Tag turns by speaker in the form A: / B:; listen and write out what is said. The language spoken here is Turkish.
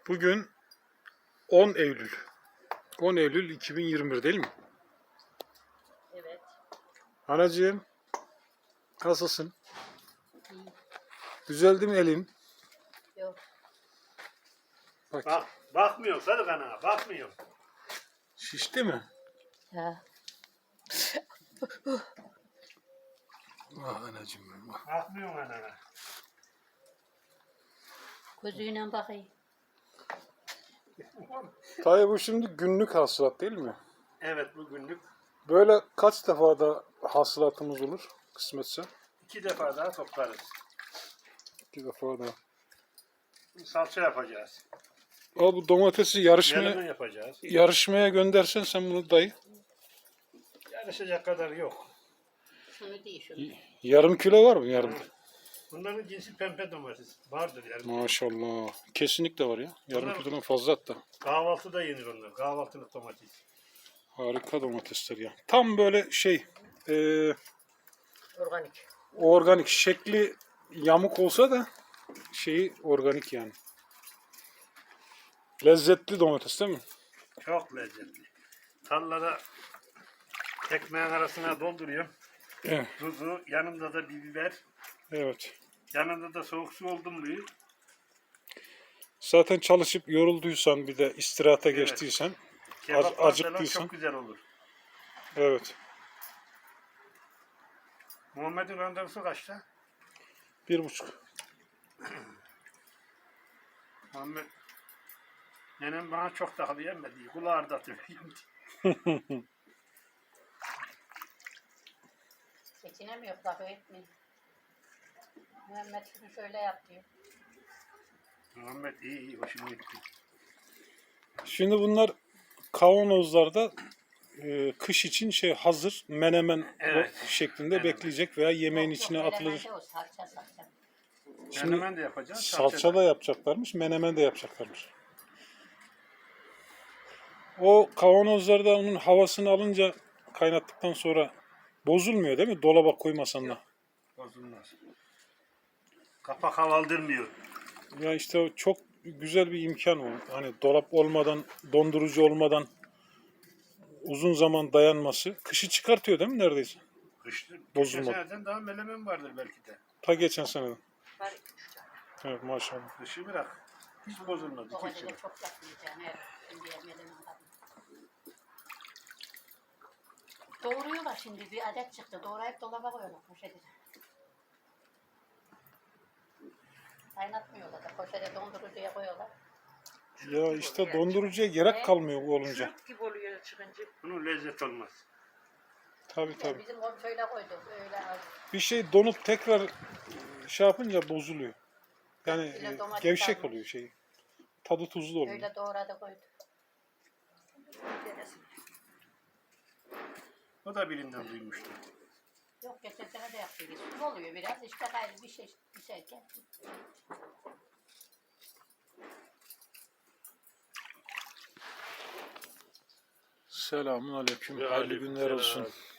A: Bugün 10 Eylül. 10 Eylül 2021 değil mi?
B: Evet.
A: Anacığım, nasılsın?
B: İyi.
A: Düzeldi mi elin?
B: Yok.
A: Bak,
C: Bakmıyor Sadık ana, bakmıyor.
A: şişti mi?
B: Ha.
A: Ah anacığım benim. Ah.
C: Bakmıyor ana.
B: Gözüyle bakayım.
A: Tabii bu şimdi günlük hasılat değil mi?
C: Evet, bugünlük
A: Böyle kaç defa da hasılatımız olur kısmetse?
C: 2 defa daha toplarız.
A: 2 defa da.
C: Salça yapacağız.
A: Aa, bu domatesi
C: Menemen yapacağız.
A: yarışmaya göndersen sen bunu dayı.
C: Yarışacak kadar yok.
B: Şunu değil şunu.
A: Yarım kilo var mı yarım?
C: Bunların cinsi pembe domates. Vardır yani.
A: Maşallah. Kesinlikle var ya. Yarım
C: Bunlar-
A: kilodan fazla hatta.
C: Kahvaltıda yenir onlar. Kahvaltılık domates.
A: Harika domatesler ya. Tam böyle
B: Organik.
A: organik şekli yamuk olsa da şeyi organik yani. Lezzetli domates değil mi?
C: Çok lezzetli. Tallara ekmeğin arasına dolduruyor.
A: Evet.
C: Tuzu, yanında da bir biber.
A: Evet.
C: Yanında da soğuk su oldu mu?
A: Zaten çalışıp yorulduysan bir de istirahata
C: Evet.
A: geçtiysen,
C: Kebaplar falan
A: acıktıysan.
C: çok güzel olur.
A: Evet.
C: Muhammed'in randevusu kaçta?
A: 1,5.
C: Muhammed nenem bana çok takılı yemedi. Kulağı da
B: Geçinemiyor. Lafı etmeyin. Muhammed şunu şöyle yap diyor.
C: Muhammed iyi hoşuma gitti.
A: Şimdi bunlar kavanozlarda kış için hazır menemen
C: Evet.
A: şeklinde
C: Menemen.
A: bekleyecek veya yemeğin
B: Yok,
A: içine
B: yok,
A: atılır.
B: menemende o salça.
A: Şimdi
C: Menemen de yapacağız.
A: salça da yapacaklarmış, menemen de yapacaklarmış. O kavanozlarda onun havasını alınca kaynattıktan sonra bozulmuyor değil mi? Dolaba koymasan da.
C: Bozulmaz. Kapak havaldırmıyor.
A: Ya işte o çok güzel bir imkan o. Hani dolap olmadan, dondurucu olmadan uzun zaman dayanması. Kışı çıkartıyor değil mi neredeyse?
C: Kıştır. Geçen
A: Bozulmadı.
C: seneden daha menemen vardır belki de.
A: Ta geçen seneden.
B: Var 2-3 tane.
A: Evet maşallah.
C: Kışı bırak. Hiç bozulmadı.
B: O
C: Hiç.
B: halde çok yapmayacağım. Evet. Şimdi yemedim adam. Doğruyorlar şimdi. Bir adet çıktı. Doğrayıp dolaba koyuyorlar poşete. Kaynatmıyorlar da poşete dondurucuya koyuyorlar.
A: Ya işte dondurucuya gerek kalmıyor bu olunca.
B: Çürük gibi oluyor çıkınca.
C: Bunun lezzet olmaz.
A: Tabii
B: Ya
A: tabii.
B: bizim o şöyle koyduk. Öyle az.
A: Bir şey donup tekrar yapınca bozuluyor. Yani
B: Öyle domates
A: gevşek
B: almış.
A: oluyor şey. Tadı tuzlu oluyor.
B: Öyle doğradı koyduk.
C: O da birinden duymuştu.
B: Yok geçen sene de yaptık. Su oluyor biraz. İşte gayrı bir şey pişerken.
A: Selamun aleyküm.
C: Ve
A: Hayırlı günler
C: aleykümselam.
A: olsun.